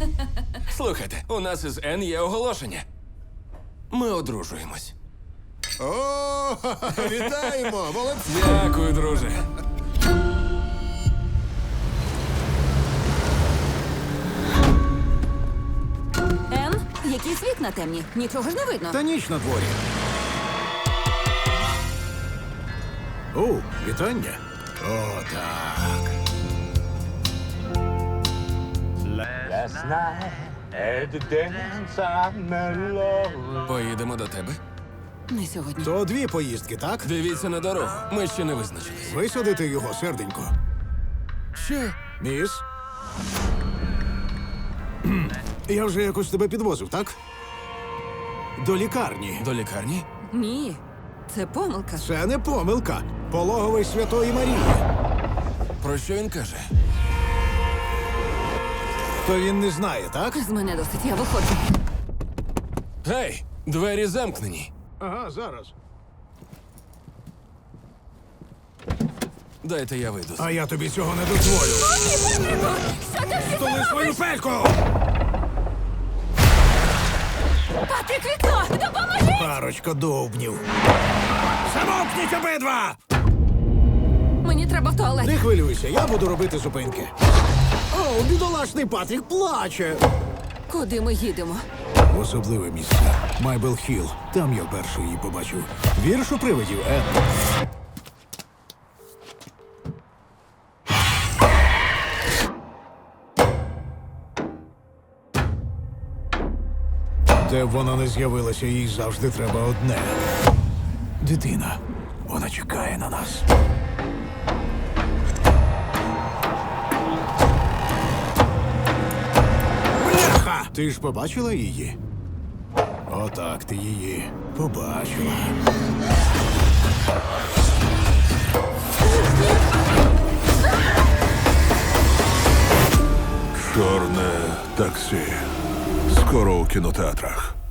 Слухайте, у нас із Н є оголошення. Ми одружуємось. О, вітаємо! Молодці! Дякую, друже. Ен, якісь вікна темні. Нічого ж не видно. Та ніч на дворі. О, вітання. О, так. Last night at the dance I met love. Поїдемо до тебе. Не сьогодні. То дві поїздки, так? Дивіться на дорогу. Ми ще не визначились. Висадити його, серденько. Що? Міс? Я вже якось тебе підвозив, так? До лікарні. До лікарні? Ні, це помилка. Це не помилка. Пологовий Святої Марії. Про що він каже? То він не знає, так? З мене досить, я виходжу. Гей, двері замкнені. Ага, зараз. Дайте я вийду. А я тобі цього не дозволю. Що ти всі Столи свою пельку! Патрік, вікно! Допоможи! Парочка довбнів. Замовкніть обидва! Мені треба в туалет. Не хвилюйся, я буду робити зупинки. О, бідолашний Патрік плаче. Куди ми їдемо? В особливе місце. Майбел Хілл. Там я перший її побачив. Вірш у привидів, Ен. Де б вона не з'явилася, їй завжди треба одне. Дитина. Вона чекає на нас. Бляха! Ти ж побачила її? Отак ти її побачила. Чорне таксі. Скоро у кінотеатрах.